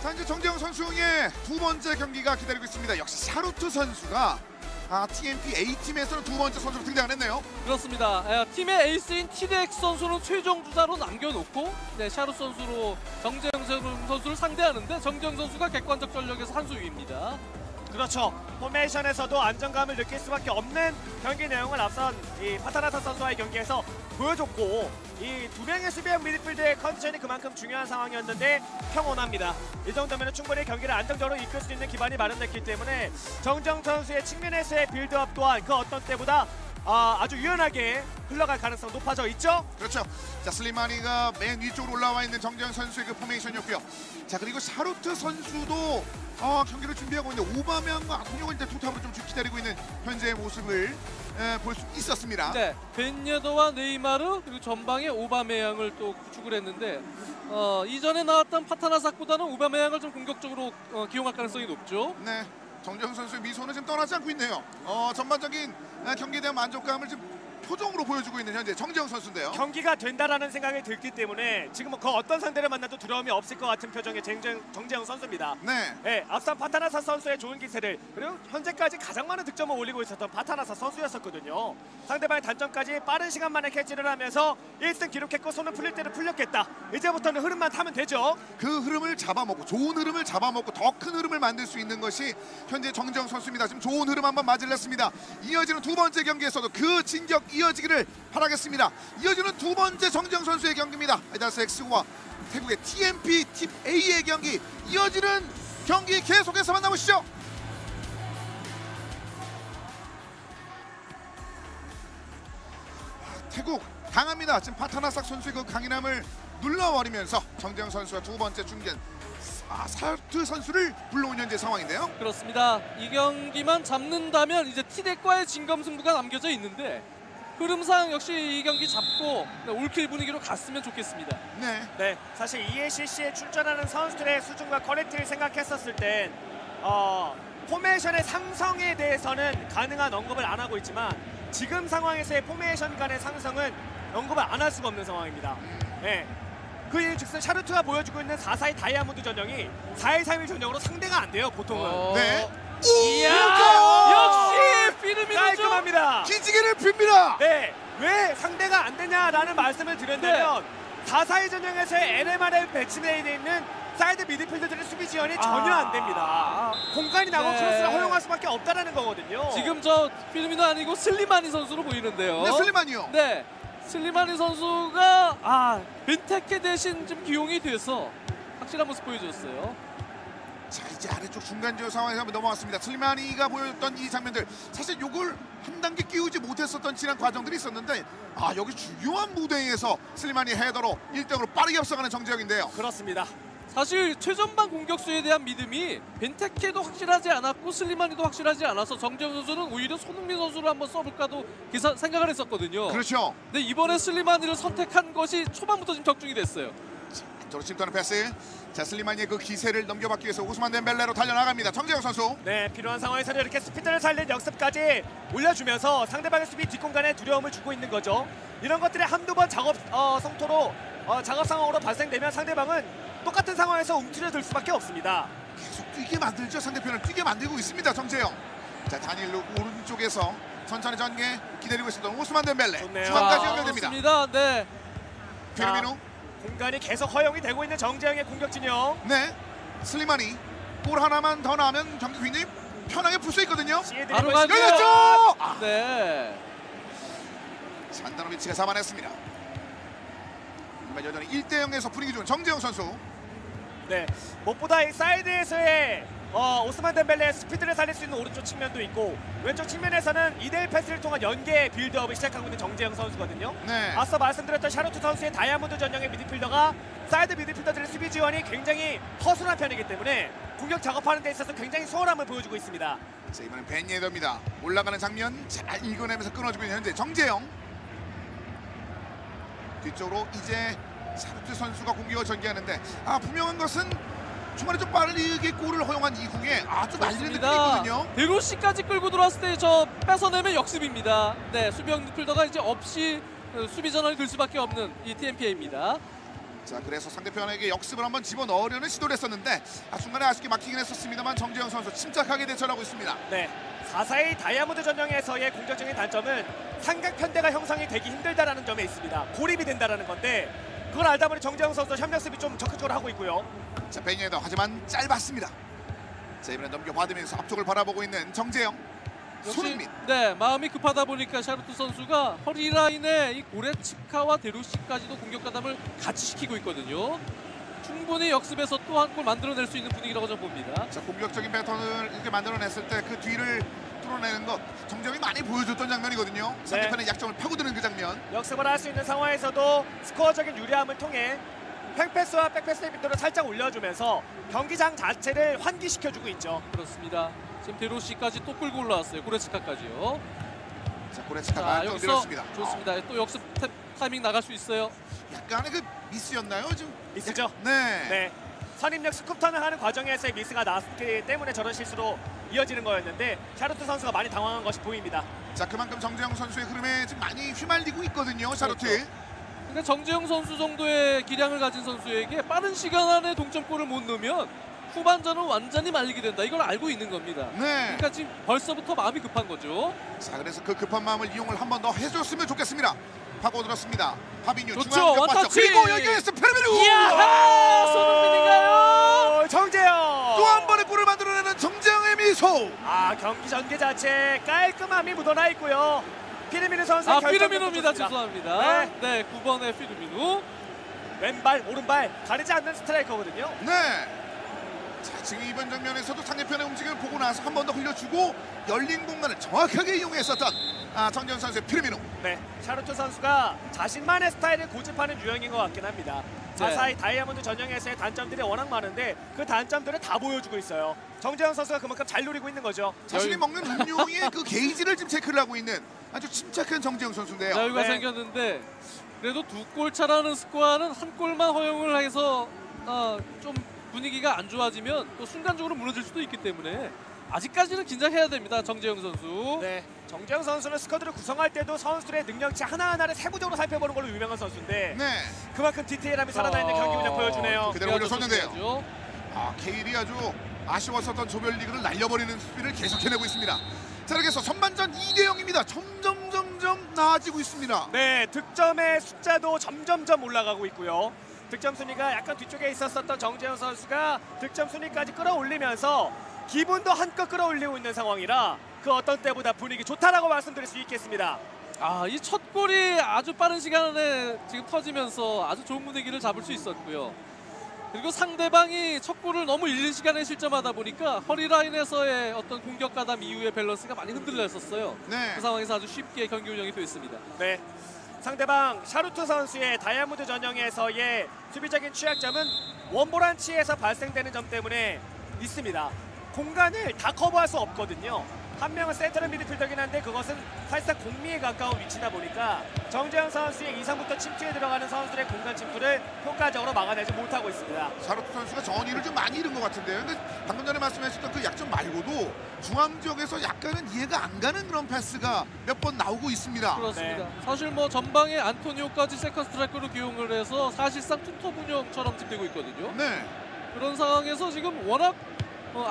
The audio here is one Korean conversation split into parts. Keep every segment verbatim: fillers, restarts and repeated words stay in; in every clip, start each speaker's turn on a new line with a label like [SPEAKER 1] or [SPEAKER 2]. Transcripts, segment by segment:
[SPEAKER 1] 자, 이제 정재영 선수의 두 번째 경기가 기다리고 있습니다. 역시 샤루트 선수가 아, 티엠피 A팀에서는 두 번째 선수로 등장을 했네요.
[SPEAKER 2] 그렇습니다. 에, 팀의 에이스인 티덱스 선수는 최종 주자로 남겨놓고 네, 샤루트 선수로 정재영 선수를 상대하는데 정재영 선수가 객관적 전력에서 한 수 위입니다.
[SPEAKER 3] 그렇죠. 포메이션에서도 안정감을 느낄 수밖에 없는 경기 내용을 앞선 이 파타나사 선수와의 경기에서 보여줬고 이 두 명의 수비형 미드필드의 컨디션이 그만큼 중요한 상황이었는데 평온합니다. 이 정도면 충분히 경기를 안정적으로 이끌 수 있는 기반이 마련됐기 때문에 정정 선수의 측면에서의 빌드업 또한 그 어떤 때보다 아, 아주 유연하게 흘러갈 가능성 높아져 있죠?
[SPEAKER 1] 그렇죠. 자, 슬리마니가 맨 위쪽으로 올라와 있는 정재영 선수의 그 포메이션이었고요. 자, 그리고 샤루트 선수도 어, 경기를 준비하고 있는데 오바메양과 아토니오가 이제 투탑으로 좀 기다리고 있는 현재의 모습을 볼 수 있었습니다.
[SPEAKER 2] 네, 벤예더와 네이마르 그리고 전방에 오바메양을 또 구축을 했는데 어, 이전에 나왔던 파타나삭보다는 오바메양을 좀 공격적으로 어, 기용할 가능성이 높죠.
[SPEAKER 1] 네, 정재영 선수의 미소는 지금 떠나지 않고 있네요. 어, 전반적인 경기에 대한 만족감을 지금 표정으로 보여주고 있는 현재 정재영 선수인데요.
[SPEAKER 3] 경기가 된다라는 생각이 들기 때문에 지금 그 어떤 상대를 만나도 두려움이 없을 것 같은 표정의 정재영, 정재영 선수입니다.
[SPEAKER 1] 네.
[SPEAKER 3] 네, 앞선 파타나사 선수의 좋은 기세를 그리고 현재까지 가장 많은 득점을 올리고 있었던 파타나사 선수였었거든요. 상대방의 단점까지 빠른 시간 만에 캐치를 하면서 일 승 기록했고 손을 풀릴 때는 풀렸겠다. 이제부터는 흐름만 타면 되죠.
[SPEAKER 1] 그 흐름을 잡아먹고 좋은 흐름을 잡아먹고 더 큰 흐름을 만들 수 있는 것이 현재 정재영 선수입니다. 지금 좋은 흐름 한번 맞을렸습니다. 이어지는 두 번째 경기에서도 그 진격 이어지기를 바라겠습니다. 이어지는 두 번째 정재영 선수의 경기입니다. 아이다스 엑스와 태국의 티엠피 팀 A의 경기 이어지는 경기 계속해서 만나보시죠. 태국 강합니다. 지금 파타나삭 선수의 그 강인함을 눌러버리면서 정재영 선수가 두 번째 중견 아, 샤루트 선수를 불러온 현재 상황인데요.
[SPEAKER 2] 그렇습니다. 이 경기만 잡는다면 이제 티덱과의 진검승부가 남겨져 있는데 흐름상 역시 이 경기 잡고 올킬 분위기로 갔으면 좋겠습니다.
[SPEAKER 1] 네.
[SPEAKER 3] 네, 사실 이에이씨씨에 출전하는 선수들의 수준과 퀄리티를 생각했었을 땐 어, 포메이션의 상성에 대해서는 가능한 언급을 안 하고 있지만 지금 상황에서의 포메이션 간의 상성은 언급을 안 할 수가 없는 상황입니다. 네. 그 일즉슨 샤루트가 보여주고 있는 사 사이 다이아몬드 전형이 사 일 삼 일 전형으로 상대가 안 돼요, 보통은.
[SPEAKER 2] 어...
[SPEAKER 1] 네.
[SPEAKER 2] 이야! 역시 피르미노죠.
[SPEAKER 3] 깔끔합니다.
[SPEAKER 1] 기지개를 핍니다.
[SPEAKER 3] 네, 왜 상대가 안 되냐라는 말씀을 드렸다면 네. 사 사이 전형에서의 엔엠알에 배치되어 있는 사이드 미드필더들의 수비 지원이 전혀 안 됩니다. 아... 공간이 나고
[SPEAKER 2] 네.
[SPEAKER 3] 크로스를 허용할 수밖에 없다는 거거든요.
[SPEAKER 2] 지금 저 피르미노 아니고 슬리마니 선수로 보이는데요.
[SPEAKER 1] 네, 슬리마니요.
[SPEAKER 2] 네. 슬리마니 선수가 아 벤테케 대신 좀 기용이 돼서 확실한 모습 보여줬어요.
[SPEAKER 1] 자, 이제 아래쪽 중간 지역 상황에서 한번 넘어왔습니다. 슬리마니가 보였던 이 장면들 사실 요걸 한 단계 끼우지 못했었던 지난 과정들이 있었는데 아 여기 중요한 무대에서 슬리마니 헤더로 일 등으로 빠르게 앞서가는 정재영인데요.
[SPEAKER 3] 그렇습니다.
[SPEAKER 2] 사실 최전방 공격수에 대한 믿음이 벤테케도 확실하지 않았고 슬리마니도 확실하지 않아서 정재영 선수는 오히려 손흥민 선수를 한번 써볼까도 계산, 생각을 했었거든요.
[SPEAKER 1] 그렇죠.
[SPEAKER 2] 근데 이번에 슬리마니를 선택한 것이 초반부터 지금 적중이 됐어요.
[SPEAKER 1] 안쪽으로 침투하는 패스. 자, 슬리마니의 그 기세를 넘겨받기 위해서 오스만 덴벨레로 달려나갑니다. 정재영 선수.
[SPEAKER 3] 네, 필요한 상황에서는 이렇게 스피드를 살린 역습까지 올려주면서 상대방의 수비 뒷공간에 두려움을 주고 있는 거죠. 이런 것들이 한두 번 작업 어, 성토로 어, 작업 상황으로 발생되면 상대방은 똑같은 상황에서 움츠려들 수밖에 없습니다.
[SPEAKER 1] 계속 뛰게 만들죠. 상대편을 뛰게 만들고 있습니다. 정재영. 자, 다니엘로 오른쪽에서 천천히 전개 기다리고 있었던 오스만 덴벨레.
[SPEAKER 3] 좋네요.
[SPEAKER 1] 중앙까지 연결됩니다.
[SPEAKER 2] 좋습니다. 네.
[SPEAKER 1] 피르미노.
[SPEAKER 3] 공간이 계속 허용이 되고 있는 정재영의 공격 진영.
[SPEAKER 1] 네. 슬리마니. 골 하나만 더 나오면 경기 굉장히 편하게 풀 수 있거든요.
[SPEAKER 2] 바로 가죠.
[SPEAKER 1] 열렸죠. 아.
[SPEAKER 2] 네.
[SPEAKER 1] 산다노비치가 잡아냈습니다. 여전히 일 대 영에서 분위기 좋은 정재영 선수.
[SPEAKER 3] 네, 무엇보다 이 사이드에서의 어, 오스만 덴벨레의 스피드를 살릴 수 있는 오른쪽 측면도 있고 왼쪽 측면에서는 이 대 일 패스를 통한 연계 빌드업을 시작하고 있는 정재영 선수거든요.
[SPEAKER 1] 네.
[SPEAKER 3] 앞서 말씀드렸던 샤루트 선수의 다이아몬드 전형의 미드필더가 사이드 미드필더들의 수비 지원이 굉장히 허술한 편이기 때문에 공격 작업하는 데 있어서 굉장히 수월함을 보여주고 있습니다.
[SPEAKER 1] 자, 이번엔 벤예더입니다. 올라가는 장면 잘 읽어내면서 끊어주고 있는 현재 정재영. 뒤쪽으로 이제 샤루트 선수가 공격을 전개하는데 아 분명한 것은 중간에 좀 빠르게 골을 허용한 이후에 아주 말리는 느낌이 있거든요.
[SPEAKER 2] 베로시까지 끌고 들어왔을 때 저 뺏어내면 역습입니다. 네, 수비형 미드필더가 이제 없이 수비 전환이 될 수밖에 없는 이 티엠피에이입니다.
[SPEAKER 1] 자, 그래서 상대편에게 역습을 한번 집어넣으려는 시도를 했었는데 아, 중간에 아쉽게 막히긴 했었습니다만 정재영 선수 침착하게 대처하고 있습니다.
[SPEAKER 3] 네, 사 사이 다이아몬드 전형에서의 공격적인 단점은 삼각 편대가 형성이 되기 힘들다라는 점에 있습니다. 고립이 된다라는 건데 그걸 알다 보니 정재영 선수 협력 수비 좀 적극적으로 하고 있고요.
[SPEAKER 1] 자, 베니에더 하지만 짧았습니다. 자, 이번에 넘겨받으면서 앞쪽을 바라보고 있는 정재영.
[SPEAKER 2] 역시
[SPEAKER 1] 손흥민.
[SPEAKER 2] 네, 마음이 급하다 보니까 샤르트 선수가 허리 라인에 이 고레츠카와 데루시까지도 공격 가담을 같이 시키고 있거든요. 충분히 역습에서 또 한 골 만들어낼 수 있는 분위기라고 저는 봅니다.
[SPEAKER 1] 자, 공격적인 패턴을 이렇게 만들어냈을 때 그 뒤를 뚫어내는 것 정재영이 많이 보여줬던 장면이거든요. 상대편의 약점을 파고드는 그 장면.
[SPEAKER 3] 역습을 할 수 있는 상황에서도 스코어적인 유리함을 통해 횡패스와 백패스의 빈도를 살짝 올려주면서 경기장 자체를 환기시켜주고 있죠.
[SPEAKER 2] 그렇습니다. 지금 데루시까지 또 끌고 올라왔어요. 고레츠카까지요.
[SPEAKER 1] 자, 고레츠카가
[SPEAKER 2] 자,
[SPEAKER 1] 안쪽
[SPEAKER 2] 여기서
[SPEAKER 1] 밀었습니다.
[SPEAKER 2] 좋습니다. 또 역습 타, 타이밍 나갈 수 있어요.
[SPEAKER 1] 약간의 그 미스였나요? 지금
[SPEAKER 3] 미스죠?
[SPEAKER 1] 네.
[SPEAKER 3] 네. 선입력 스쿱턴을 하는 과정에서의 미스가 나왔기 때문에 저런 실수로 이어지는 거였는데 샤르트 선수가 많이 당황한 것이 보입니다.
[SPEAKER 1] 자, 그만큼 정재영 선수의 흐름에 지금 많이 휘말리고 있거든요. 샤르트.
[SPEAKER 2] 그렇죠. 그러니까 정재영 선수 정도의 기량을 가진 선수에게 빠른 시간 안에 동점골을 못 넣으면 후반전은 완전히 말리게 된다. 이걸 알고 있는 겁니다.
[SPEAKER 1] 네.
[SPEAKER 2] 그러니까 지금 벌써부터 마음이 급한 거죠.
[SPEAKER 1] 자, 그래서 그 급한 마음을 이용을 한 번 더 해줬으면 좋겠습니다. 파고들었습니다. 파비뉴
[SPEAKER 2] 좋죠.
[SPEAKER 1] 중앙 벽 봤죠.
[SPEAKER 2] 원터치.
[SPEAKER 1] 그리고 연결해서 페르메루.
[SPEAKER 2] 이야! 손흥민인가요?
[SPEAKER 3] 정재영!
[SPEAKER 1] 또 한 번의 골을 만들어내는 정재영의 미소.
[SPEAKER 3] 아, 경기 전개 자체 깔끔함이 묻어나 있고요. 피르미누 선수의
[SPEAKER 2] 아,
[SPEAKER 3] 결정력도
[SPEAKER 2] 피르미누입니다.
[SPEAKER 3] 좋습니다.
[SPEAKER 2] 죄송합니다.
[SPEAKER 3] 네.
[SPEAKER 2] 네, 구 번의 피르미누.
[SPEAKER 3] 왼발, 오른발 가리지 않는 스트라이커거든요.
[SPEAKER 1] 네. 자, 지금 이번 장면에서도 상대편의 움직임을 보고 나서 한 번 더 흘려주고 열린 공간을 정확하게 이용했었던 아, 정재영 선수의 피르미누.
[SPEAKER 3] 네, 샤르트 선수가 자신만의 스타일을 고집하는 유형인 것 같긴 합니다.
[SPEAKER 2] 네.
[SPEAKER 3] 사사이 다이아몬드 전형에서의 단점들이 워낙 많은데 그 단점들을 다 보여주고 있어요. 정재영 선수가 그만큼 잘 노리고 있는 거죠.
[SPEAKER 1] 자신이
[SPEAKER 2] 여유-
[SPEAKER 1] 먹는 음료의 그 게이지를 지금 체크를 하고 있는 아주 침착한 정재영 선수인데요.
[SPEAKER 2] 여유가
[SPEAKER 3] 네.
[SPEAKER 2] 생겼는데 그래도 두 골 차라는 스코어는 한 골만 허용을 해서 어, 좀 분위기가 안 좋아지면 또 순간적으로 무너질 수도 있기 때문에 아직까지는 긴장해야 됩니다. 정재영 선수.
[SPEAKER 3] 네, 정재영 선수는 스쿼드를 구성할 때도 선수들의 능력치 하나하나를 세부적으로 살펴보는 걸로 유명한 선수인데
[SPEAKER 1] 네.
[SPEAKER 3] 그만큼 디테일함이 살아나 있는
[SPEAKER 2] 어,
[SPEAKER 3] 경기 운영 보여주네요.
[SPEAKER 1] 그대로 올려줬는데요.
[SPEAKER 2] 좋습니다.
[SPEAKER 1] 아, 케일이 아주 아쉬웠었던 조별리그를 날려버리는 수비를 계속해내고 있습니다. 자, 이렇게 해서 선반전 이 대 영입니다. 점점 점점 나아지고 있습니다.
[SPEAKER 3] 네, 득점의 숫자도 점점점 올라가고 있고요. 득점 순위가 약간 뒤쪽에 있었었던 정재영 선수가 득점 순위까지 끌어올리면서 기분도 한껏 끌어올리고 있는 상황이라 그 어떤 때보다 분위기 좋다라고 말씀드릴 수 있겠습니다.
[SPEAKER 2] 아, 이 첫 골이 아주 빠른 시간 안에 지금 터지면서 아주 좋은 분위기를 잡을 수 있었고요. 그리고 상대방이 첫 골을 너무 이른 시간에 실점하다 보니까 허리 라인에서의 어떤 공격 가담 이후의 밸런스가 많이 흔들렸었어요.
[SPEAKER 1] 네.
[SPEAKER 2] 그 상황에서 아주 쉽게 경기 운영이 됐습니다.
[SPEAKER 3] 네, 상대방 샤루트 선수의 다이아몬드 전형에서의 수비적인 취약점은 원보란치에서 발생되는 점 때문에 있습니다. 공간을 다 커버할 수 없거든요. 한 명은 센터럴 미드필더긴 한데 그것은 사실상 공미에 가까운 위치다 보니까 정재영 선수의 이상부터 침투에 들어가는 선수들의 공간 침투를 효과적으로 막아내지 못하고 있습니다.
[SPEAKER 1] 샤르트 선수가 전의를 좀 많이 잃은 것 같은데요. 근데 방금 전에 말씀하셨던 그 약점 말고도 중앙 지역에서 약간은 이해가 안 가는 그런 패스가 몇 번 나오고 있습니다.
[SPEAKER 2] 그렇습니다.
[SPEAKER 3] 네.
[SPEAKER 2] 사실 뭐 전방에 안토니오까지 세컨 스트라이커로 기용을 해서 사실상 투톱 운영처럼 지금 되고 있거든요.
[SPEAKER 1] 네.
[SPEAKER 2] 그런 상황에서 지금 워낙 어,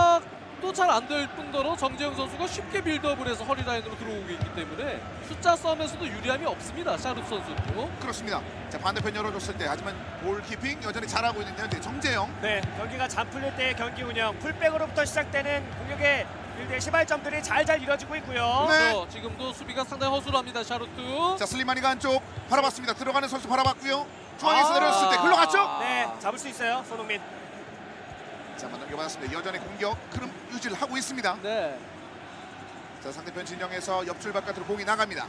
[SPEAKER 2] 압박도 잘 안 될 뿐더러 정재영 선수가 쉽게 빌드업을 해서 허리 라인으로 들어오고 있기 때문에 숫자 싸움에서도 유리함이 없습니다. 샤르트 선수도.
[SPEAKER 1] 그렇습니다. 자, 반대편 열어줬을 때 하지만 골키핑 여전히 잘하고 있는 현재 정재영.
[SPEAKER 3] 네, 경기가 잠 풀릴 때의 경기 운영, 풀백으로부터 시작되는 공격의 빌드의 시발점들이 잘잘 이뤄지고 있고요.
[SPEAKER 1] 네.
[SPEAKER 2] 그렇죠. 지금도 수비가 상당히 허술합니다. 샤르트.
[SPEAKER 1] 자, 슬리마니가 안쪽 바라봤습니다. 들어가는 선수 바라봤고요. 중앙에서
[SPEAKER 3] 아.
[SPEAKER 1] 내려왔을 때 흘러갔죠?
[SPEAKER 3] 네, 잡을 수 있어요, 손흥민.
[SPEAKER 1] 자, 한번 넘겨받았습니다. 여전히 공격 흐름 유지를 하고 있습니다.
[SPEAKER 2] 네.
[SPEAKER 1] 자, 상대편 진영에서 옆줄 바깥으로 공이 나갑니다.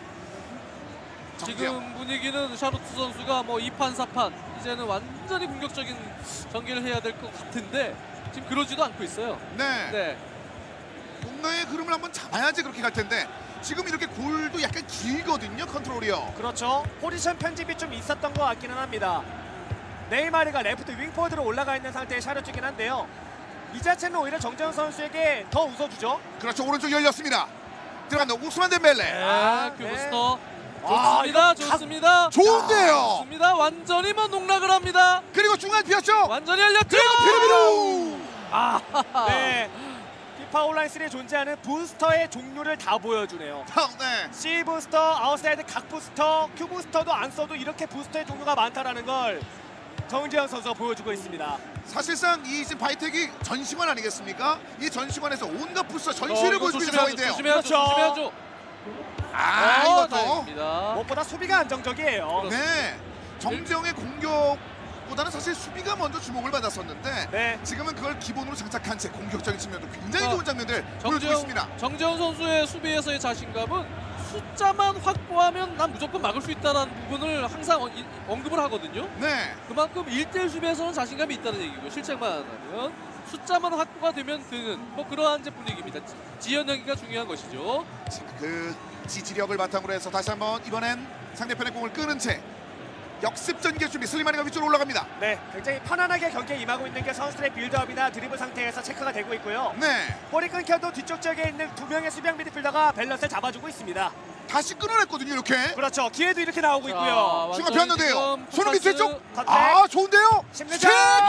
[SPEAKER 1] 정재영.
[SPEAKER 2] 지금 분위기는 샤르트 선수가 뭐 이 판 사 판 이제는 완전히 공격적인 전개를 해야 될 것 같은데 지금 그러지도 않고 있어요.
[SPEAKER 1] 네.
[SPEAKER 2] 네.
[SPEAKER 1] 뭔가의 흐름을 한번 잡아야지 그렇게 갈 텐데 지금 이렇게 골도 약간 길거든요. 컨트롤이요.
[SPEAKER 3] 그렇죠. 포지션 편집이 좀 있었던 것 같기는 합니다. 네이마르가 레프트 윙포드로 올라가 있는 상태의 샤르트긴 한데요. 이 자체는 오히려 정재영 선수에게 더 웃어주죠.
[SPEAKER 1] 그렇죠. 오른쪽 열렸습니다. 들어간다. 우스만 덴벨레.
[SPEAKER 2] 아,
[SPEAKER 3] 네.
[SPEAKER 2] 큐브스터. 좋습니다.
[SPEAKER 3] 아,
[SPEAKER 2] 좋습니다.
[SPEAKER 1] 좋은데요.
[SPEAKER 2] 좋습니다. 완전히 뭐 농락을 합니다.
[SPEAKER 1] 그리고 중간 비었죠.
[SPEAKER 2] 완전히 열렸죠.
[SPEAKER 1] 피르미루.
[SPEAKER 2] 아,
[SPEAKER 3] 네. 피파 온라인 삼에 존재하는 부스터의 종류를 다 보여주네요.
[SPEAKER 1] 네.
[SPEAKER 3] C 부스터, 아웃사이드 각 부스터, Q 부스터도 안 써도 이렇게 부스터의 종류가 많다라는 걸 정재영 선수가 보여주고 있습니다.
[SPEAKER 1] 사실상 이 지금 바이텍이 전시관 아니겠습니까? 이 전시관에서 온갖 부스
[SPEAKER 2] 어,
[SPEAKER 1] 전시를
[SPEAKER 2] 이거
[SPEAKER 1] 보여주는
[SPEAKER 2] 조심해야죠.
[SPEAKER 1] 상황인데요.
[SPEAKER 2] 조심해야죠.
[SPEAKER 3] 그렇죠.
[SPEAKER 2] 조심해야죠.
[SPEAKER 1] 아,
[SPEAKER 2] 어,
[SPEAKER 1] 이것도.
[SPEAKER 2] 다행입니다.
[SPEAKER 3] 무엇보다 수비가 안정적이에요.
[SPEAKER 1] 네. 정재영의 공격보다는 사실 수비가 먼저 주목을 받았었는데
[SPEAKER 3] 네.
[SPEAKER 1] 지금은 그걸 기본으로 장착한 채 공격적인 측면도 굉장히
[SPEAKER 2] 어,
[SPEAKER 1] 좋은 장면들 보여주고
[SPEAKER 2] 정재영,
[SPEAKER 1] 있습니다.
[SPEAKER 2] 정재영 선수의 수비에서의 자신감은 숫자만 확보하면 난 무조건 막을 수 있다는 부분을 항상 어, 이, 언급을 하거든요.
[SPEAKER 1] 네.
[SPEAKER 2] 그만큼 일 대일 수비에서는 자신감이 있다는 얘기고요. 실책만 안 하면 숫자만 확보가 되면 되는 뭐 그러한 이제 분위기입니다. 지- 지연하기가 중요한 것이죠.
[SPEAKER 1] 자, 그 지지력을 바탕으로 해서 다시 한번 이번엔 상대편의 공을 끄는 채 역습 전개 준비. 슬리마니가 위쪽으로 올라갑니다.
[SPEAKER 3] 네, 굉장히 편안하게 경기에 임하고 있는 게 선수들의 빌드업이나 드리블 상태에서 체크가 되고 있고요.
[SPEAKER 1] 네.
[SPEAKER 3] 볼이 끊겨도 뒤쪽 지역에 있는 두 명의 수비형 미드필더가 밸런스를 잡아주고 있습니다.
[SPEAKER 1] 다시 끊어냈거든요. 이렇게.
[SPEAKER 3] 그렇죠. 기회도 이렇게 나오고
[SPEAKER 2] 자,
[SPEAKER 3] 있고요.
[SPEAKER 1] 순간
[SPEAKER 2] 완전히
[SPEAKER 1] 비었는데요.
[SPEAKER 2] 지금
[SPEAKER 1] 손흥민
[SPEAKER 2] 포커스-
[SPEAKER 1] 뒤쪽.
[SPEAKER 3] 컷백.
[SPEAKER 1] 아, 좋은데요.
[SPEAKER 3] 심리전.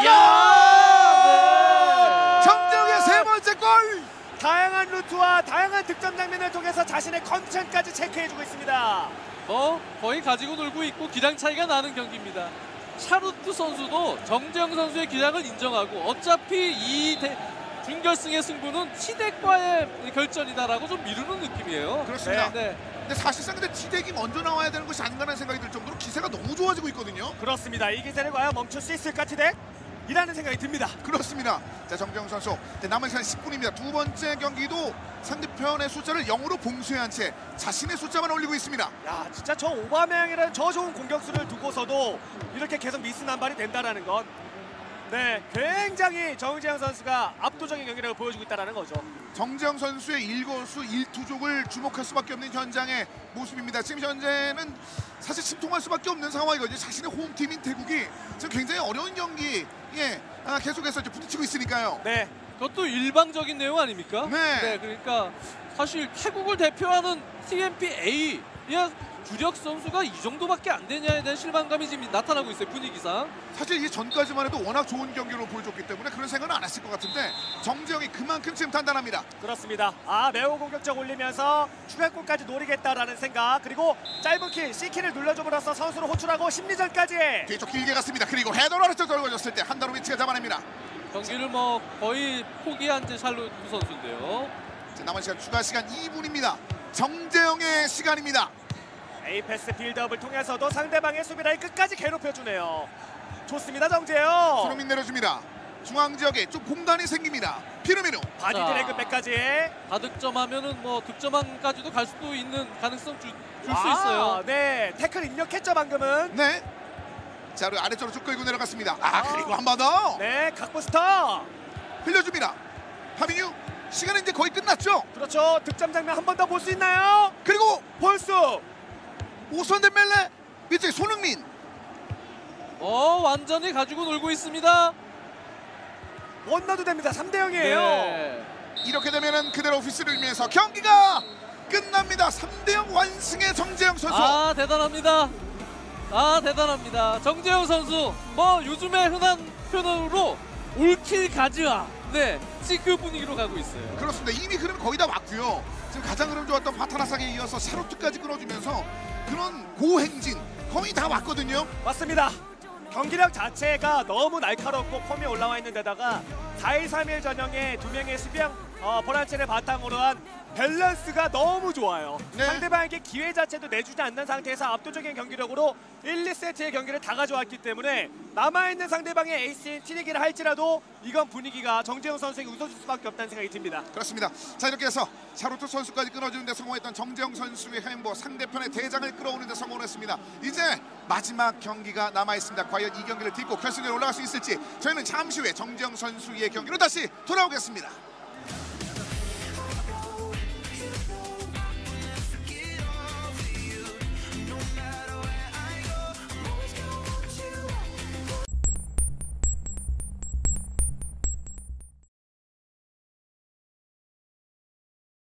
[SPEAKER 2] 이야!
[SPEAKER 1] 정재영의 세 번째 골.
[SPEAKER 3] 다양한 루트와 다양한 득점 장면을 통해서 자신의 컨디션까지 체크해주고 있습니다.
[SPEAKER 2] 뭐 거의 가지고 놀고 있고 기량 차이가 나는 경기입니다. 샤루트 선수도 정재영 선수의 기량을 인정하고 어차피 이 대, 준결승의 승부는 티덱과의 결전이다라고 좀 미루는 느낌이에요.
[SPEAKER 1] 그렇습니다.
[SPEAKER 2] 네.
[SPEAKER 1] 근데 사실상 근데 티덱이 먼저 나와야 되는 것이 아닌가라는 생각이 들 정도로 기세가 너무 좋아지고 있거든요.
[SPEAKER 3] 그렇습니다. 이 기세를 과연 멈출 수 있을까 티덱? 이라는 생각이 듭니다.
[SPEAKER 1] 그렇습니다. 자, 정재영 선수 이제 남은 시간 십 분입니다. 두 번째 경기도 상대편의 숫자를 영으로 봉쇄한 채 자신의 숫자만 올리고 있습니다.
[SPEAKER 3] 야, 진짜 저 오바메양이라는 저 좋은 공격수를 두고서도 이렇게 계속 미스 남발이 된다라는 건 네, 굉장히 정재영 선수가 압도적인 경기력을 보여주고 있다는 거죠.
[SPEAKER 1] 정재영 선수의 일거수 일투족을 주목할 수밖에 없는 현장의 모습입니다. 지금 현재는 사실 침통할 수밖에 없는 상황이거든요. 자신의 홈팀인 태국이 지금 굉장히 어려운 경기에 아, 계속해서 이제 부딪히고 있으니까요.
[SPEAKER 3] 네,
[SPEAKER 2] 그것도 일방적인 내용 아닙니까?
[SPEAKER 1] 네.
[SPEAKER 2] 그러니까 사실 태국을 대표하는 티엠피에이의 주력 선수가 이 정도밖에 안 되냐에 대한 실망감이 지금 나타나고 있어요. 분위기상.
[SPEAKER 1] 사실 이 전까지만 해도 워낙 좋은 경기로 보여줬기 때문에 그런 생각은 안 했을 것 같은데 정재영이 그만큼 지금 단단합니다.
[SPEAKER 3] 그렇습니다. 아, 매우 공격적 올리면서 추가골까지 노리겠다라는 생각, 그리고 짧은 킬, C키를 눌러줌으로써 선수를 호출하고 심리전까지.
[SPEAKER 1] 뒤쪽 길게 갔습니다. 그리고 헤더로 아래쪽 떨궈졌을 때 한다로 위치가 잡아냅니다.
[SPEAKER 2] 경기를 뭐 거의 포기한 제 샬루트 선수인데요.
[SPEAKER 1] 자, 남은 시간 추가 시간 이 분입니다. 정재영의 시간입니다.
[SPEAKER 3] 에이패스 빌드업을 통해서도 상대방의 수비라인 끝까지 괴롭혀주네요. 좋습니다, 정재영.
[SPEAKER 1] 손흥민 내려줍니다. 중앙 지역에 좀 공간이 생깁니다. 피르미누.
[SPEAKER 3] 바디
[SPEAKER 2] 자.
[SPEAKER 3] 드래그백까지.
[SPEAKER 2] 다득점하면은 뭐 득점왕까지도 갈 수도 있는 가능성 줄 수
[SPEAKER 3] 아,
[SPEAKER 2] 있어요.
[SPEAKER 3] 네, 태클 입력했죠 방금은.
[SPEAKER 1] 네. 자, 그리고 아래쪽으로 쭉 끌고 내려갔습니다. 아,
[SPEAKER 3] 아.
[SPEAKER 1] 그리고 한 번 더
[SPEAKER 3] 네, 각부스터.
[SPEAKER 1] 흘려줍니다. 하민유. 시간은 이제 거의 끝났죠.
[SPEAKER 3] 그렇죠. 득점 장면 한 번 더 볼 수 있나요?
[SPEAKER 1] 그리고
[SPEAKER 3] 볼수.
[SPEAKER 1] 오선 덴멜레 밑에 손흥민.
[SPEAKER 2] 어 완전히 가지고 놀고 있습니다.
[SPEAKER 3] 원나도 됩니다. 삼 대 영이에요.
[SPEAKER 2] 네.
[SPEAKER 1] 이렇게 되면은 그대로 오피스를 위해서 경기가 끝납니다. 삼 대 영 완승의 정재영 선수.
[SPEAKER 2] 아 대단합니다. 아 대단합니다. 정재영 선수 뭐 요즘에 흔한 표현으로 올킬 가즈아. 네, 지금 그 분위기로 가고 있어요.
[SPEAKER 1] 그렇습니다. 이미 흐름 거의 다 왔고요. 지금 가장 흐름 좋았던 파타나삭에 이어서 샤루트까지 끊어주면서 그런 고행진 거의 다 왔거든요.
[SPEAKER 3] 맞습니다. 경기력 자체가 너무 날카롭고 폼이 올라와 있는 데다가 사 일 삼 일 전형의 두 명의 수비형 어, 보란체를 바탕으로 한 밸런스가 너무 좋아요.
[SPEAKER 1] 네.
[SPEAKER 3] 상대방에게 기회 자체도 내주지 않는 상태에서 압도적인 경기력으로 일, 이 세트의 경기를 다 가져왔기 때문에 남아있는 상대방의 에이스인 티니기를 할지라도 이건 분위기가 정재영 선수에게 웃어줄 수밖에 없다는 생각이 듭니다.
[SPEAKER 1] 그렇습니다. 자, 이렇게 해서 샤루트 선수까지 끊어주는 데 성공했던 정재영 선수의 행보, 상대편의 대장을 끌어오는 데 성공했습니다. 이제 마지막 경기가 남아있습니다. 과연 이 경기를 딛고 결승에 올라갈 수 있을지 저희는 잠시 후에 정재영 선수의 경기로 다시 돌아오겠습니다.